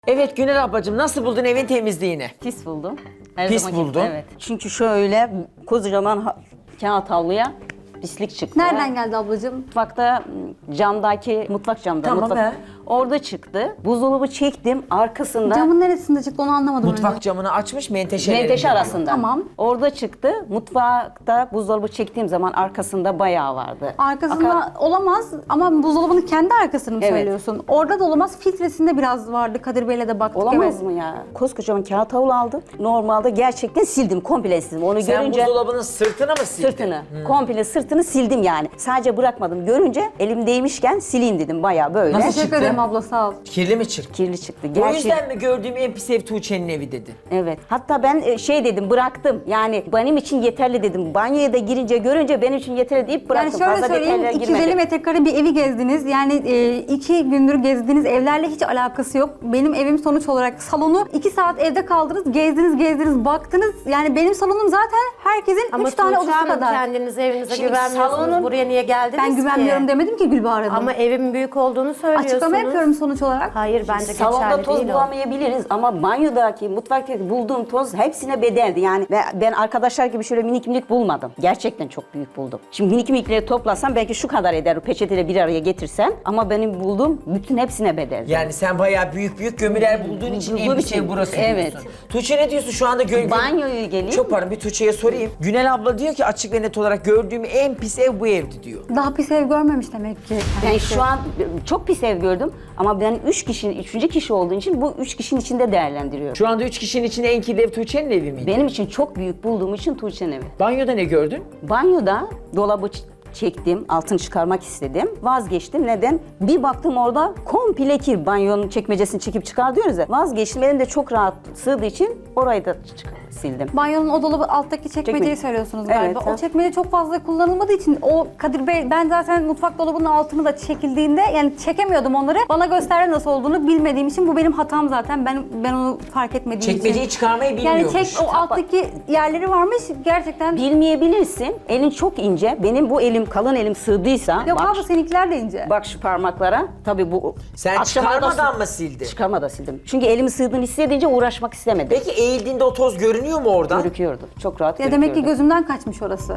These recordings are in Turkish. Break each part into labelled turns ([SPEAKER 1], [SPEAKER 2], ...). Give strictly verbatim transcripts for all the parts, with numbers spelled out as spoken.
[SPEAKER 1] Evet Günel ablacığım, nasıl buldun evin temizliğini?
[SPEAKER 2] Pis buldum. Her
[SPEAKER 1] Pis
[SPEAKER 2] zamanki-
[SPEAKER 1] buldun.
[SPEAKER 2] Evet. Çünkü şöyle kocaman ha- kağıt havluya pislik çıktı.
[SPEAKER 3] Nereden geldi ablacığım?
[SPEAKER 2] Mutfakta m, camdaki mutfak camda.
[SPEAKER 1] Tamam,
[SPEAKER 2] mutfak,
[SPEAKER 1] he.
[SPEAKER 2] Orada çıktı. Buzdolabı çektim arkasında.
[SPEAKER 3] Camın neresinde çıktı onu anlamadım.
[SPEAKER 1] Mutfak
[SPEAKER 3] önce.
[SPEAKER 1] camını açmış menteşeleri.
[SPEAKER 2] Menteşe arasında.
[SPEAKER 3] Tamam.
[SPEAKER 2] Orada çıktı. Mutfakta buzdolabı çektiğim zaman arkasında bayağı vardı.
[SPEAKER 3] Arkasında
[SPEAKER 2] Aka-
[SPEAKER 3] olamaz ama buzdolabının kendi arkasını mı
[SPEAKER 2] Evet.
[SPEAKER 3] söylüyorsun? Orada da olamaz. Filtresinde biraz vardı. Kadir Bey'le de baktık.
[SPEAKER 2] Olamaz
[SPEAKER 3] evet.
[SPEAKER 2] mı ya? Koskocaman kağıt havlu aldım. Normalde gerçekten sildim. Komple sildim. Onu
[SPEAKER 1] Sen
[SPEAKER 2] görünce...
[SPEAKER 1] buzdolabının sırtına mı sildin?
[SPEAKER 2] Sırtını, komple sırtını sildim yani. Sadece bırakmadım. Görünce elim değmişken sileyim dedim bayağı böyle.
[SPEAKER 1] Nasıl
[SPEAKER 3] Teşekkür
[SPEAKER 1] çıktı?
[SPEAKER 3] ederim abla sağ ol.
[SPEAKER 1] Kirli mi çirkin?
[SPEAKER 2] Kirli çıktı.
[SPEAKER 1] O
[SPEAKER 2] Gerçi,
[SPEAKER 1] yüzden mi gördüğüm en pis ev Tuğçe'nin evi dedin?
[SPEAKER 2] Evet. Hatta ben e, şey dedim bıraktım. Yani benim için yeterli dedim. Banyoya da girince görünce benim için yeterli deyip bıraktım.
[SPEAKER 3] Yani şöyle
[SPEAKER 2] Fazla
[SPEAKER 3] söyleyeyim,
[SPEAKER 2] detaylara
[SPEAKER 3] iki yüz elli
[SPEAKER 2] girmedim.
[SPEAKER 3] metrekare bir evi gezdiniz. Yani e, iki gündür gezdiğiniz evlerle hiç alakası yok. Benim evim sonuç olarak salonu iki saat evde kaldınız, gezdiniz, gezdiniz, baktınız. Yani benim salonum zaten herkesin
[SPEAKER 4] Ama
[SPEAKER 3] üç tane
[SPEAKER 4] Tuğçe
[SPEAKER 3] odası
[SPEAKER 4] Hanım,
[SPEAKER 3] kadar.
[SPEAKER 4] kendiniz evinize
[SPEAKER 2] Şimdi
[SPEAKER 4] güvenmiyorsunuz.
[SPEAKER 2] salonun-
[SPEAKER 4] Buraya niye geldiniz
[SPEAKER 3] Ben güvenmiyorum
[SPEAKER 4] ki?
[SPEAKER 3] demedim ki Gülbahar Hanım.
[SPEAKER 4] Ama evin büyük olduğunu söylüyorsunuz.
[SPEAKER 3] Açıklama yapıyorum sonuç olarak.
[SPEAKER 4] Hayır bence
[SPEAKER 2] Salonda
[SPEAKER 4] geçerli
[SPEAKER 2] toz
[SPEAKER 4] değil o.
[SPEAKER 2] bulamayabiliriz ama banyodaki, mutfaktaki bulduğum toz hepsine bedeldi. Yani ben, ben arkadaşlar gibi şöyle minik minik bulmadım. Gerçekten çok büyük buldum. Şimdi minik minikleri toplasam belki şu kadar eder. Peçeteyle bir araya getirsen ama benim bulduğum bütün hepsine bedeldi.
[SPEAKER 1] Yani sen bayağı büyük büyük gömüler bulduğun için en
[SPEAKER 2] Bulduğum
[SPEAKER 1] pis ev
[SPEAKER 2] için,
[SPEAKER 1] burası
[SPEAKER 2] evet.
[SPEAKER 1] diyorsun. Tuğçe ne diyorsun şu anda? Gö
[SPEAKER 2] Banyoyu geleyim.
[SPEAKER 1] Çok pardon, bir Tuğçe'ye sorayım. Günel abla diyor ki açık ve net olarak gördüğüm en pis ev bu evdi diyor.
[SPEAKER 3] Daha pis ev görmemiş demek ki.
[SPEAKER 2] Ben şu an çok pis ev gördüm ama ben üç kişinin, üçüncü kişi olduğu için bu üç kişinin içinde değerlendiriyorum.
[SPEAKER 1] Şu anda üç kişinin içinde en kirli ev Tuğçe'nin evi miydi?
[SPEAKER 2] Benim için çok büyük bulduğum için Tuğçe'nin evi.
[SPEAKER 1] Banyoda ne gördün?
[SPEAKER 2] Banyoda dolabı ç- çektim, altını çıkarmak istedim. Vazgeçtim. Neden? Bir baktım orada komple kir. Banyonun çekmecesini çekip çıkar diyoruz ya. Vazgeçtim. Elim de çok rahat sığdığı için orayı da çık- sildim.
[SPEAKER 3] Banyonun o dolabı alttaki çekmeceyi
[SPEAKER 2] Çekme-
[SPEAKER 3] söylüyorsunuz
[SPEAKER 2] Evet,
[SPEAKER 3] galiba.
[SPEAKER 2] ha.
[SPEAKER 3] O çekmece çok fazla kullanılmadığı için o Kadir Bey, ben zaten mutfak dolabının altını da çekildiğinde yani çekemiyordum onları. Bana gösterdi nasıl olduğunu bilmediğim için bu benim hatam zaten. Ben ben onu fark etmediğim
[SPEAKER 1] Çekmeceyi
[SPEAKER 3] için.
[SPEAKER 1] çıkarmayı
[SPEAKER 3] Yani
[SPEAKER 1] bilmiyormuş.
[SPEAKER 3] çek o alttaki yerleri varmış gerçekten.
[SPEAKER 2] Bilmeyebilirsin. Elin çok ince. Benim bu elim, kalın elim sığdıysa...
[SPEAKER 3] Yok
[SPEAKER 2] bak,
[SPEAKER 3] abla seninkiler de ince.
[SPEAKER 2] bak şu parmaklara. Tabii bu...
[SPEAKER 1] Sen
[SPEAKER 2] akşama da-
[SPEAKER 1] çıkarmadan mı sildin?
[SPEAKER 2] Çıkarmadan sildim. Çünkü elimi sığdığını hissedince uğraşmak istemedim.
[SPEAKER 1] Peki eğildiğinde o toz görünüyor mu oradan?
[SPEAKER 2] Gözüküyordu. Çok rahat
[SPEAKER 3] Ya
[SPEAKER 2] gözüküyordu.
[SPEAKER 3] demek ki gözümden kaçmış orası.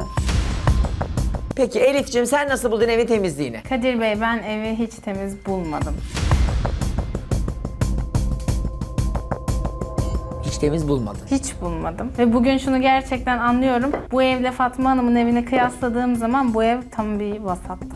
[SPEAKER 1] Peki Elif'ciğim sen nasıl buldun evin temizliğini?
[SPEAKER 5] Kadir Bey, ben evi hiç temiz bulmadım.
[SPEAKER 1] Hiç temiz bulmadın.
[SPEAKER 5] Hiç bulmadım. Ve bugün şunu gerçekten anlıyorum. Bu evle Fatma Hanım'ın evini kıyasladığım zaman bu ev tam bir vasattı.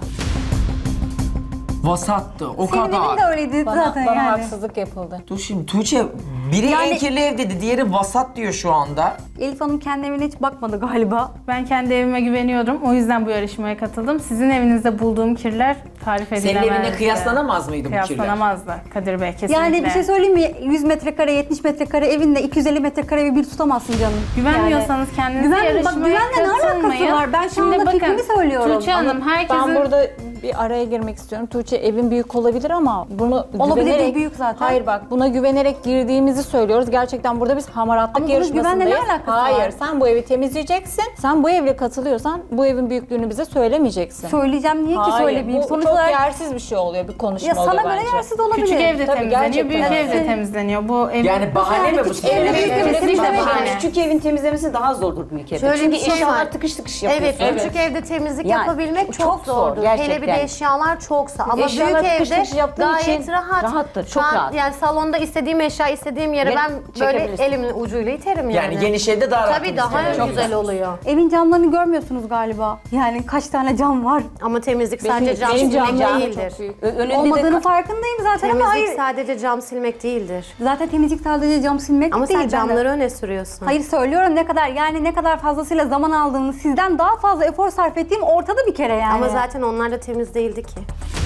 [SPEAKER 1] Vasattı o
[SPEAKER 3] Senin evin de
[SPEAKER 1] kadar.
[SPEAKER 3] öyleydi
[SPEAKER 6] Bana,
[SPEAKER 3] zaten
[SPEAKER 6] bana
[SPEAKER 3] yani.
[SPEAKER 6] haksızlık yapıldı.
[SPEAKER 1] Dur şimdi Tuğçe biri en
[SPEAKER 3] Yani-
[SPEAKER 1] kirli ev dedi, diğeri vasat diyor şu anda.
[SPEAKER 3] Elif Hanım kendi evine hiç bakmadı galiba.
[SPEAKER 5] Ben kendi evime güveniyorum. O yüzden bu yarışmaya katıldım. Sizin evinizde bulduğum kirler tarif
[SPEAKER 1] Senin
[SPEAKER 5] edilemezdi.
[SPEAKER 1] evine kıyaslanamaz mıydı bu kirler?
[SPEAKER 5] Kıyaslanamazdı Kadir Bey, kesinlikle.
[SPEAKER 3] Yani bir şey söyleyeyim mi? yüz metrekare, yetmiş metrekare evinle iki yüz elli metrekare evi bir tutamazsın canım.
[SPEAKER 5] Güvenmiyorsanız kendinize
[SPEAKER 3] Güven- bak,
[SPEAKER 5] yarışmaya
[SPEAKER 3] güvenle ne alakası
[SPEAKER 5] katılmayın.
[SPEAKER 3] var? Ben şu
[SPEAKER 5] Şimdi
[SPEAKER 3] anda
[SPEAKER 5] bakın,
[SPEAKER 3] fikrimi söylüyorum.
[SPEAKER 5] Tuğçe Hanım, herkesin...
[SPEAKER 6] Ben burada bir araya girmek istiyorum. Tuğçe evin büyük olabilir ama bunu
[SPEAKER 3] Olabilir,
[SPEAKER 6] güvenerek...
[SPEAKER 3] büyük zaten.
[SPEAKER 6] Hayır bak buna güvenerek girdiğimizi söylüyoruz. Gerçekten burada biz hamaratlık
[SPEAKER 3] Ama bunun
[SPEAKER 6] yarışmasındayız.
[SPEAKER 3] güvenle ne alakası
[SPEAKER 6] Hayır
[SPEAKER 3] var?
[SPEAKER 6] sen bu evi temizleyeceksin. Sen bu evle katılıyorsan bu evin büyüklüğünü bize söylemeyeceksin.
[SPEAKER 3] Söyleyeceğim niye ki
[SPEAKER 6] Hayır,
[SPEAKER 3] söylemeyeyim?
[SPEAKER 6] bu
[SPEAKER 3] Sonuç
[SPEAKER 6] çok
[SPEAKER 3] olarak
[SPEAKER 6] yersiz bir şey oluyor. Bir konuşma
[SPEAKER 3] ya
[SPEAKER 6] oluyor
[SPEAKER 3] sana göre
[SPEAKER 6] bence.
[SPEAKER 3] yersiz olabilir.
[SPEAKER 5] Küçük evde
[SPEAKER 6] Tabii,
[SPEAKER 5] temizleniyor,
[SPEAKER 6] gerçekten.
[SPEAKER 5] büyük
[SPEAKER 3] Evet.
[SPEAKER 5] evde temizleniyor. Bu ev...
[SPEAKER 1] Yani bahane
[SPEAKER 3] Yani
[SPEAKER 1] mi bu
[SPEAKER 3] küçük
[SPEAKER 1] senin?
[SPEAKER 3] evde büyük evde
[SPEAKER 5] Kesinlikle
[SPEAKER 3] temizlemek
[SPEAKER 5] bahane.
[SPEAKER 3] yani.
[SPEAKER 2] Küçük evin temizlemesi daha zordur büyük evde.
[SPEAKER 4] Şöyle
[SPEAKER 2] Çünkü
[SPEAKER 4] bir şey
[SPEAKER 2] eşyalar
[SPEAKER 4] var.
[SPEAKER 2] tıkış tıkış
[SPEAKER 4] Evet,
[SPEAKER 2] yapıyorsun.
[SPEAKER 4] küçük evde temizlik
[SPEAKER 2] Yani
[SPEAKER 4] yapabilmek çok,
[SPEAKER 2] çok zor,
[SPEAKER 4] zordur. Hele bir de
[SPEAKER 2] gerçekten.
[SPEAKER 4] eşyalar çoksa. Ama
[SPEAKER 2] Eşyalar
[SPEAKER 4] büyük
[SPEAKER 2] tıkış
[SPEAKER 4] evde
[SPEAKER 2] tıkış yaptığın
[SPEAKER 4] gayet
[SPEAKER 2] için
[SPEAKER 4] rahat.
[SPEAKER 2] rahattır,
[SPEAKER 4] Şu
[SPEAKER 2] çok
[SPEAKER 4] an
[SPEAKER 2] rahat.
[SPEAKER 4] Yani salonda istediğim eşya, istediğim yere
[SPEAKER 2] Ve
[SPEAKER 4] ben böyle
[SPEAKER 2] çekebilirsin.
[SPEAKER 4] elimin ucuyla iterim yani.
[SPEAKER 1] Yani geniş evde daha rahat
[SPEAKER 4] Tabii daha
[SPEAKER 1] temizlenir.
[SPEAKER 4] güzel oluyor.
[SPEAKER 3] Evin camlarını görmüyorsunuz galiba. Yani kaç tane cam var?
[SPEAKER 4] Ama temizlik sadece cam
[SPEAKER 6] benim
[SPEAKER 4] silmek
[SPEAKER 6] camlarım da
[SPEAKER 4] değildir.
[SPEAKER 6] çok büyük.
[SPEAKER 2] Ö- Önünde
[SPEAKER 3] Olmadığını
[SPEAKER 2] de
[SPEAKER 3] farkındayım zaten ama
[SPEAKER 4] Temizlik
[SPEAKER 3] hayır.
[SPEAKER 4] sadece cam silmek değildir.
[SPEAKER 3] Zaten temizlik sadece cam silmek
[SPEAKER 4] Ama
[SPEAKER 3] değil.
[SPEAKER 4] sen
[SPEAKER 3] ben de-
[SPEAKER 4] camları öne sürüyorsun.
[SPEAKER 3] Hayır söylüyorum ne kadar yani ne kadar fazlasıyla zaman aldığını, sizden daha fazla efor sarf ettiğim ortada bir kere yani.
[SPEAKER 4] Ama zaten onlar da temiz değildi ki.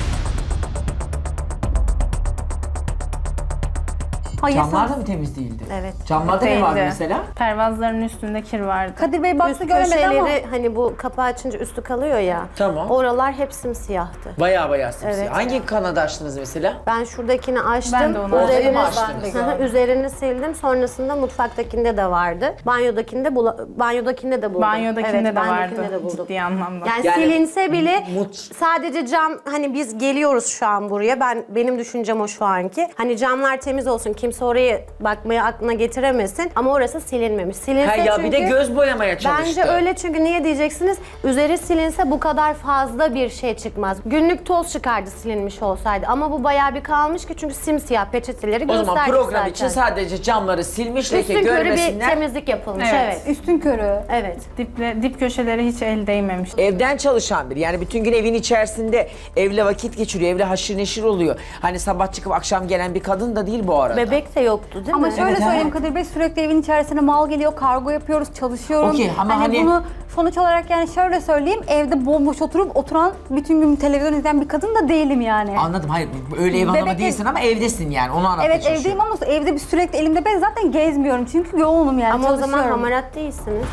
[SPEAKER 3] Hayır,
[SPEAKER 1] Camlar da mı temiz değildi?
[SPEAKER 4] Evet.
[SPEAKER 1] Camlarda ne vardı
[SPEAKER 5] Değildi.
[SPEAKER 1] mesela?
[SPEAKER 5] Pervazların üstünde kir vardı.
[SPEAKER 3] Kadir Bey baktı
[SPEAKER 4] Üst
[SPEAKER 3] göremedi ama
[SPEAKER 4] köşeleri hani bu kapağı açınca üstü kalıyor ya.
[SPEAKER 1] Tamam.
[SPEAKER 4] Oralar hep simsiyahtı.
[SPEAKER 1] Bayağı bayağı simsiyah.
[SPEAKER 4] Evet.
[SPEAKER 1] Hangi kanadı açtınız mesela?
[SPEAKER 4] Ben şuradakini açtım.
[SPEAKER 5] Ben de onu
[SPEAKER 1] açtım.
[SPEAKER 4] üzerini,
[SPEAKER 1] açtınız.
[SPEAKER 4] Hı hı, üzerini sildim. Sonrasında mutfaktakinde de vardı. Banyodakinde bula- banyodakinde de buldum.
[SPEAKER 5] Banyodakinde
[SPEAKER 4] Evet,
[SPEAKER 5] de vardı
[SPEAKER 4] banyodakinde de buldum.
[SPEAKER 5] ciddi anlamda.
[SPEAKER 4] Yani,
[SPEAKER 1] Yani
[SPEAKER 4] silinse bile
[SPEAKER 1] mut-
[SPEAKER 4] sadece cam, hani biz geliyoruz şu an buraya. Ben benim düşüncem o şu anki. Hani camlar temiz olsun, kimse kimse orayı bakmaya aklına getiremesin. Ama orası silinmemiş. Silinse
[SPEAKER 1] Ha ya
[SPEAKER 4] çünkü...
[SPEAKER 1] bir de göz boyamaya çalıştı.
[SPEAKER 4] Bence öyle, çünkü niye diyeceksiniz? Üzeri silinse bu kadar fazla bir şey çıkmaz. Günlük toz çıkardı silinmiş olsaydı. Ama bu bayağı bir kalmış ki, çünkü simsiyah peçeteleri
[SPEAKER 1] O
[SPEAKER 4] gösterdik
[SPEAKER 1] zaman program
[SPEAKER 4] zaten.
[SPEAKER 1] için sadece camları silmiş, leke
[SPEAKER 4] Üstün körü bir
[SPEAKER 1] görmesinler.
[SPEAKER 4] temizlik yapılmış.
[SPEAKER 5] Evet.
[SPEAKER 4] Evet.
[SPEAKER 3] Üstün körü.
[SPEAKER 4] Evet.
[SPEAKER 5] Diple, dip köşeleri hiç el değmemiş.
[SPEAKER 1] Evden çalışan biri. Yani bütün gün evin içerisinde evle vakit geçiriyor. Evle haşır neşir oluyor. Hani sabah çıkıp akşam gelen bir kadın da değil bu arada.
[SPEAKER 4] Bebek de yoktu değil
[SPEAKER 3] Ama
[SPEAKER 4] mi?
[SPEAKER 3] şöyle
[SPEAKER 1] Evet,
[SPEAKER 3] söyleyeyim
[SPEAKER 1] evet.
[SPEAKER 3] Kadir Bey, sürekli evin içerisine mal geliyor, kargo yapıyoruz, çalışıyorum.
[SPEAKER 1] Okey, ama hani-
[SPEAKER 3] bunu sonuç olarak yani şöyle söyleyeyim, evde bomboş oturup oturan, bütün gün televizyon izleyen bir kadın da değilim yani.
[SPEAKER 1] Anladım. Hayır öyle ev hanımı
[SPEAKER 3] Bebek-
[SPEAKER 1] değilsin ama evdesin yani. Onu anlatmaya
[SPEAKER 3] Evet
[SPEAKER 1] çalışıyorum.
[SPEAKER 3] evdeyim ama evde bir sürekli elimde, ben zaten gezmiyorum çünkü yoğunum yani,
[SPEAKER 4] Ama o zaman
[SPEAKER 3] çalışıyorum.
[SPEAKER 4] hamarat değilsiniz.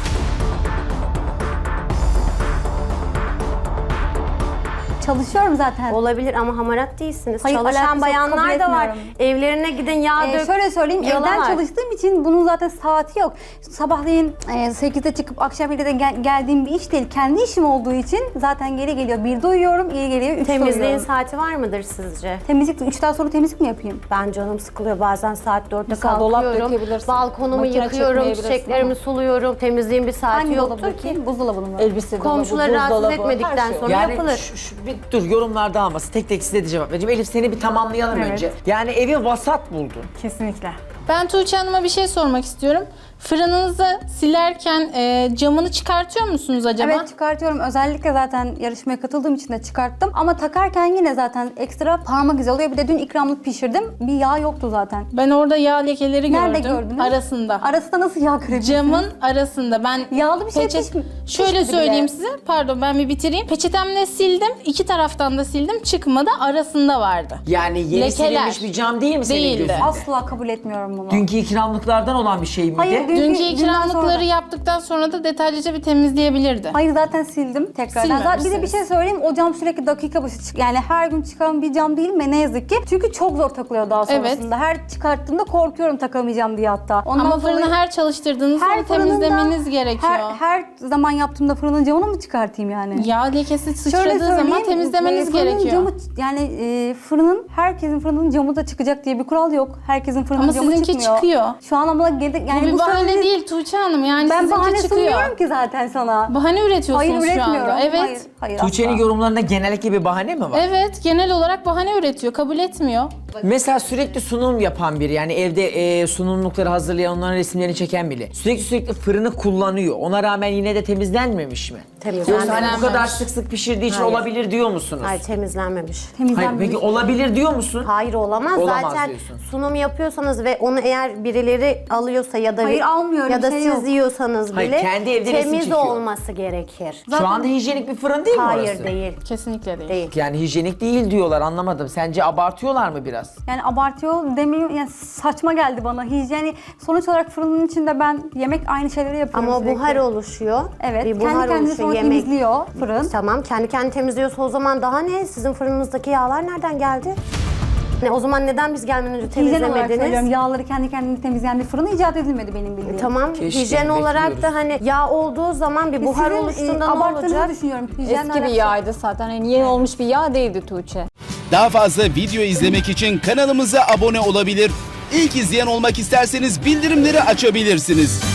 [SPEAKER 3] Çalışıyorum zaten.
[SPEAKER 4] Olabilir ama hamarat değilsiniz.
[SPEAKER 3] Hayır, alakası
[SPEAKER 4] Çalışan
[SPEAKER 3] yok,
[SPEAKER 4] bayanlar
[SPEAKER 3] kabul
[SPEAKER 4] da var.
[SPEAKER 3] etmiyorum.
[SPEAKER 4] Evlerine gidin, yağ
[SPEAKER 3] Ee,
[SPEAKER 4] dök.
[SPEAKER 3] şöyle söyleyeyim,
[SPEAKER 4] yalan
[SPEAKER 3] evden
[SPEAKER 4] var.
[SPEAKER 3] çalıştığım için bunun zaten saati yok. Sabahleyin e, sekizde çıkıp akşam birde gel- geldiğim bir iş değil. Kendi işim olduğu için zaten geri geliyor. birde uyuyorum, geri geliyor üçte
[SPEAKER 4] Temizliğin
[SPEAKER 3] uyuyorum.
[SPEAKER 4] saati var mıdır sizce?
[SPEAKER 3] Temizlik, üçten sonra temizlik mi yapayım?
[SPEAKER 4] Ben canım sıkılıyor. Bazen saat dörtte
[SPEAKER 6] Mesela dolap
[SPEAKER 4] kalkıyorum.
[SPEAKER 6] dökebilirsin.
[SPEAKER 4] Balkonumu
[SPEAKER 6] Makine
[SPEAKER 4] yıkıyorum,
[SPEAKER 6] çekmeyebilirsin
[SPEAKER 4] çiçeklerimi
[SPEAKER 6] ama.
[SPEAKER 4] suluyorum. Temizliğin bir saati
[SPEAKER 3] Hangi
[SPEAKER 4] yoktur
[SPEAKER 3] dolabı
[SPEAKER 4] ki.
[SPEAKER 3] ki? Buzdolabını mı?
[SPEAKER 6] Elbise dolabı,
[SPEAKER 4] Komşuları rahatsız
[SPEAKER 6] buzdolabı,
[SPEAKER 4] etmedikten
[SPEAKER 6] her şey.
[SPEAKER 4] sonra
[SPEAKER 1] Yani
[SPEAKER 4] yapılır.
[SPEAKER 1] şu, şu, bir dur yorumlarda alması. Tek tek size de cevap vereceğim. Elif seni bir tamamlayalım
[SPEAKER 5] Evet.
[SPEAKER 1] önce. Yani evi vasat buldun.
[SPEAKER 5] Kesinlikle.
[SPEAKER 7] Ben Tuğçe Hanım'a bir şey sormak istiyorum. Fırınınızı silerken e, camını çıkartıyor musunuz acaba?
[SPEAKER 3] Evet çıkartıyorum. Özellikle zaten yarışmaya katıldığım için de çıkarttım. Ama takarken yine zaten ekstra parmak izi oluyor. Bir de dün ikramlık pişirdim. Bir yağ yoktu zaten.
[SPEAKER 7] Ben orada yağ lekeleri
[SPEAKER 3] Nerede
[SPEAKER 7] gördüm.
[SPEAKER 3] gördünüz?
[SPEAKER 7] Arasında.
[SPEAKER 3] Arasında nasıl yağ görebilirsiniz?
[SPEAKER 7] Camın arasında. Ben
[SPEAKER 3] Yağlı bir şey
[SPEAKER 7] peçet-
[SPEAKER 3] pişmi-
[SPEAKER 7] Şöyle
[SPEAKER 3] pişmedi
[SPEAKER 7] söyleyeyim
[SPEAKER 3] bile.
[SPEAKER 7] size. Pardon ben bir bitireyim. Peçetemle sildim. İki taraftan da sildim. Çıkmadı. Arasında vardı.
[SPEAKER 1] Yani yeni
[SPEAKER 7] Lekeler.
[SPEAKER 1] silinmiş bir cam değil mi senin
[SPEAKER 7] Değildi.
[SPEAKER 1] gözünde?
[SPEAKER 3] Asla kabul etmiyorum bunu.
[SPEAKER 1] Dünkü ikramlıklardan olan bir şey miydi?
[SPEAKER 3] Hayır, dün-
[SPEAKER 7] Dünkü
[SPEAKER 3] dünden
[SPEAKER 7] ikramlıkları
[SPEAKER 3] sonra-
[SPEAKER 7] yaptıktan sonra da detaylıca bir temizleyebilirdi.
[SPEAKER 3] Hayır zaten sildim tekrardan. Zaten bir de bir şey söyleyeyim, o cam sürekli dakika başı çık. Yani her gün çıkan bir cam değil mi ne yazık ki. Çünkü çok zor takılıyor daha
[SPEAKER 7] Evet.
[SPEAKER 3] sonrasında. Her çıkarttığımda korkuyorum takamayacağım diye hatta. Ondan
[SPEAKER 7] Ama fırını
[SPEAKER 3] dolayı-
[SPEAKER 7] her çalıştırdığınızda onu
[SPEAKER 3] fırının da-
[SPEAKER 7] temizlemeniz gerekiyor.
[SPEAKER 3] Her, her zaman yaptığımda fırının camını mı çıkartayım yani?
[SPEAKER 7] Yağ lekesi
[SPEAKER 3] Şöyle
[SPEAKER 7] sıçradığı zaman
[SPEAKER 3] söyleyeyim,
[SPEAKER 7] temizlemeniz
[SPEAKER 3] e, fırının
[SPEAKER 7] gerekiyor.
[SPEAKER 3] Camı, yani e, fırının, herkesin fırının camı da çıkacak diye bir kural yok. Herkesin fırının
[SPEAKER 7] Ama
[SPEAKER 3] camı
[SPEAKER 7] sizinki
[SPEAKER 3] çıkmıyor.
[SPEAKER 7] çıkıyor.
[SPEAKER 3] Şu an ama geri, yani
[SPEAKER 7] Bu bir bahane
[SPEAKER 3] söylediğiniz-
[SPEAKER 7] değil Tuğçe Hanım. Yani
[SPEAKER 3] Ben
[SPEAKER 7] sizinki
[SPEAKER 3] bahane
[SPEAKER 7] çıkıyor.
[SPEAKER 3] sunmuyorum ki zaten sana.
[SPEAKER 7] Bahane üretiyorsunuz
[SPEAKER 3] Hayır
[SPEAKER 7] şu
[SPEAKER 3] üretmiyorum.
[SPEAKER 7] anda. Evet.
[SPEAKER 3] Hayır, hayır
[SPEAKER 1] Tuğçe'nin
[SPEAKER 3] asla.
[SPEAKER 1] yorumlarında genellikle bir bahane mi var?
[SPEAKER 7] Evet, genel olarak bahane üretiyor, kabul etmiyor.
[SPEAKER 1] Mesela sürekli sunum yapan biri, yani evde e, sunumlukları hazırlayan, onların resimlerini çeken biri. Sürekli sürekli fırını kullanıyor. Ona rağmen yine de temizlenmemiş mi?
[SPEAKER 4] Temizlenmemiş.
[SPEAKER 1] Yoksa hani bu kadar sık sık pişirdiği için
[SPEAKER 4] Hayır.
[SPEAKER 1] olabilir diyor musunuz?
[SPEAKER 4] Hayır, temizlenmemiş.
[SPEAKER 1] Hayır,
[SPEAKER 3] Temizlenmemiş.
[SPEAKER 1] peki olabilir diyor musun?
[SPEAKER 4] Hayır, olamaz.
[SPEAKER 1] Olamaz
[SPEAKER 4] Zaten
[SPEAKER 1] diyorsun.
[SPEAKER 4] sunum yapıyorsanız ve onu eğer birileri alıyorsa ya da
[SPEAKER 3] Hayır, almıyorum,
[SPEAKER 4] ya da
[SPEAKER 3] şey
[SPEAKER 4] siz
[SPEAKER 3] yok.
[SPEAKER 4] yiyorsanız
[SPEAKER 1] Hayır,
[SPEAKER 4] bile
[SPEAKER 1] kendi evde resim
[SPEAKER 4] temiz
[SPEAKER 1] çekiyor.
[SPEAKER 4] olması gerekir.
[SPEAKER 1] Şu anda hijyenik bir fırın değil mi
[SPEAKER 4] Hayır
[SPEAKER 1] orası?
[SPEAKER 4] değil.
[SPEAKER 7] Kesinlikle değil.
[SPEAKER 4] Değil.
[SPEAKER 1] Yani hijyenik değil diyorlar, anlamadım. Sence abartıyorlar mı biraz?
[SPEAKER 3] Yani abartıyor demeyeyim, yani saçma geldi bana. Yani sonuç olarak fırının içinde ben yemek aynı şeyleri yapıyorum
[SPEAKER 4] Ama o
[SPEAKER 3] sürekli.
[SPEAKER 4] buhar oluşuyor.
[SPEAKER 3] Evet,
[SPEAKER 4] Bir
[SPEAKER 3] kendi
[SPEAKER 4] buhar
[SPEAKER 3] kendini
[SPEAKER 4] oluşuyor.
[SPEAKER 3] sonra
[SPEAKER 4] Yemek.
[SPEAKER 3] temizliyor fırın.
[SPEAKER 4] Tamam, kendi kendini temizliyorsa o zaman daha ne? Sizin fırınınızdaki yağlar nereden geldi? Ne, o zaman neden biz gelmeden önce
[SPEAKER 3] Hijyen olarak söylüyorum,
[SPEAKER 4] temizlemediniz?
[SPEAKER 3] yağları kendi kendini temizleyen bir fırın icat edilmedi benim bildiğim.
[SPEAKER 4] Tamam,
[SPEAKER 1] Keşke,
[SPEAKER 4] hijyen olarak
[SPEAKER 1] bekliyoruz.
[SPEAKER 4] da hani yağ olduğu zaman bir buhar
[SPEAKER 3] Sizin, e,
[SPEAKER 4] oluştuğunda ne
[SPEAKER 3] abarttığınızı
[SPEAKER 4] olacak?
[SPEAKER 3] düşünüyorum. Hijyenle
[SPEAKER 6] Eski bir
[SPEAKER 3] alakası-
[SPEAKER 6] yağydı zaten. Yani yeni olmuş bir yağ değildi Tuğçe.
[SPEAKER 8] Daha fazla video izlemek için kanalımıza abone olabilir. İlk izleyen olmak isterseniz bildirimleri açabilirsiniz.